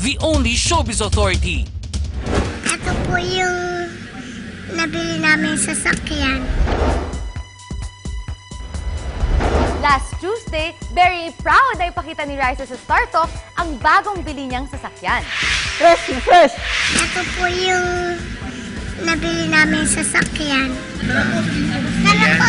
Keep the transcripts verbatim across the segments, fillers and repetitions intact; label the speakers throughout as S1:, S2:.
S1: the only showbiz authority.
S2: Ito po yung nabili namin sasakyan.
S3: Last Tuesday, very proud na ipakita ni Raisa sa Star Talk ang bagong bili niyang sasakyan.
S4: Fresh na fresh!
S2: Ito po yung nabili namin sasakyan. Sana po.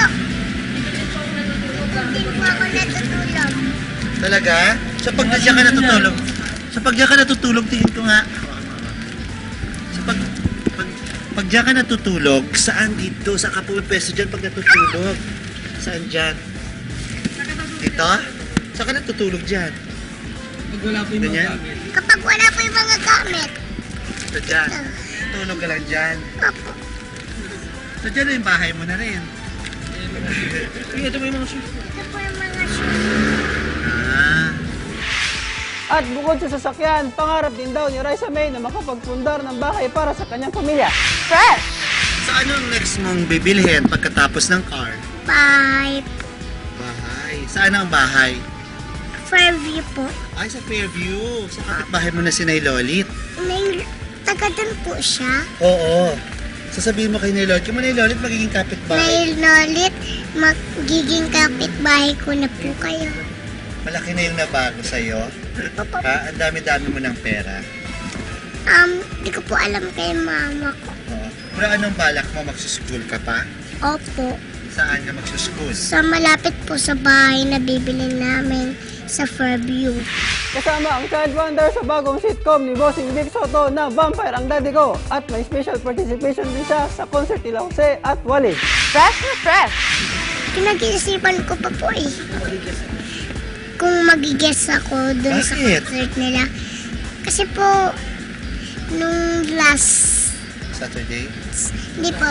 S2: Hindi po ako natutulog.
S5: Talaga? Sa pag diyan ka natutulog? Sa pag diyan ka natutulog, tingin ko nga. Sa pag... Pag, pag diyan ka natutulog, saan dito? Saan ka pumipwesto dyan pag natutulog? Saan dyan? Dito? Saan ka natutulog dyan?
S4: Pag wala po yung
S5: Ganyan?
S4: mga gamit.
S2: Kapag wala po yung mga gamit.
S5: Ito dyan. Tulog ka lang dyan.
S2: Opo.
S5: So dyan na yung bahay mo na rin.
S4: Sige, ito po yung mga shoes.
S2: Ito po yung mga shoes.
S5: Ah.
S4: At bukod sa sasakyan, pangarap din daw ni Raisa May na makapagpundar ng bahay para sa kanyang pamilya.
S3: Fresh!
S5: So anong next mong bibilhin pagkatapos ng car?
S2: Bye.
S5: Bahay. Saan ang bahay?
S2: Fairview po.
S5: Ay, sa Fairview. Sa kapitbahay mo na si Nay Lolit.
S2: May taga dun po siya.
S5: Oo. Sasabihin mo kay Nay Lolit, kung Nay Lolit magiging kapitbahay.
S2: May lolit, magiging kapitbahay ko na po kayo.
S5: Malaki na yung nabago sa'yo.
S2: Opo.
S5: Ha? Ang dami-dami mo ng pera.
S2: Um, di ko po alam kay mama ko.
S5: Oo. Pero anong balak mo? Magsuschool ka pa?
S2: Opo.
S5: Saan ka magsuschool?
S2: Sa malapit po sa bahay na bibili namin sa Fairview.
S4: Kasama ang child wonder sa bagong sitcom ni Bossing Vic Soto na Vampire ang Daddy Ko. At may special participation din siya sa concert nila Jose at Wally.
S3: Fresh na fresh!
S2: Pinag-iisipan ko pa po eh. Kung mag-guess ako dun sa
S5: Bakit?
S2: concert nila. Kasi po, nung last,
S5: Saturday?
S2: hindi po,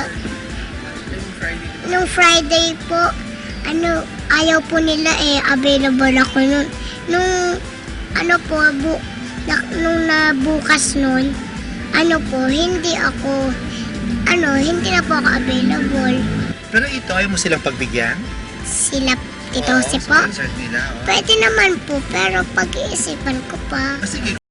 S2: nung Friday po, ano, ayaw po nila eh, available ako nun. Nung, ano po, bu, na, nung nabukas nun, ano po, hindi ako, ano, hindi na po ako available.
S5: Pero ito, ayaw mo silang pagbigyan?
S2: Sila, Tito
S5: Oo,
S2: Jose
S5: sa
S2: po.
S5: concert nila. Oh.
S2: Pwede naman po, pero pag-iisipan ko pa.
S5: Ah, sige,